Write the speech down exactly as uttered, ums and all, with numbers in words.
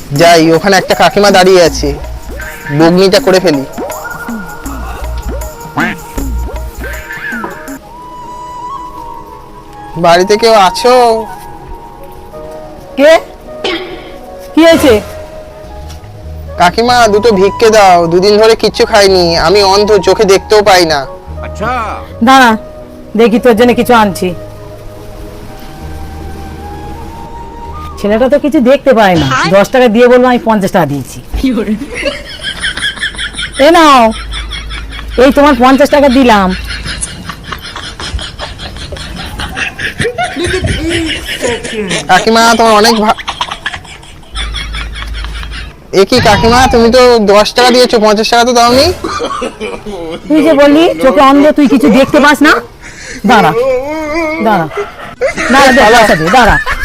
যাই, ওখানে একটা কাকিমা দাঁড়িয়ে আছে, বগনিটা করে ফেলি। বাড়িতে কেউ আছো? কে? কি হয়েছে? কাকিমা দুটো ভিক্ষে দাও, দুদিন ধরে কিচ্ছু খাইনি, আমি অন্ধ, চোখে দেখতেও পাই না। अच्छा দাঁড়া, দেখি তোর জন্য কিছু আনছি। ছেলেটা তো কিছু দেখতে পায় না, দশ টাকা দিয়ে বলবো আমি পঞ্চাশ টাকা দিয়েছি। এ নাও, এই তোমার পঞ্চাশ টাকা দিলাম। কাকিমা তোমার অনেক ভা- এ কি কাকিমা, তুমি তো দশ টাকা দিয়েছো, পঞ্চাশ টাকা তো দাওনি। তুই যে বললি চোখে অন্ধ, তুই কিছু দেখতে পাস না। দাঁড়া দাঁড়া দাঁড়া, দে, পয়সা দে, দাঁড়া।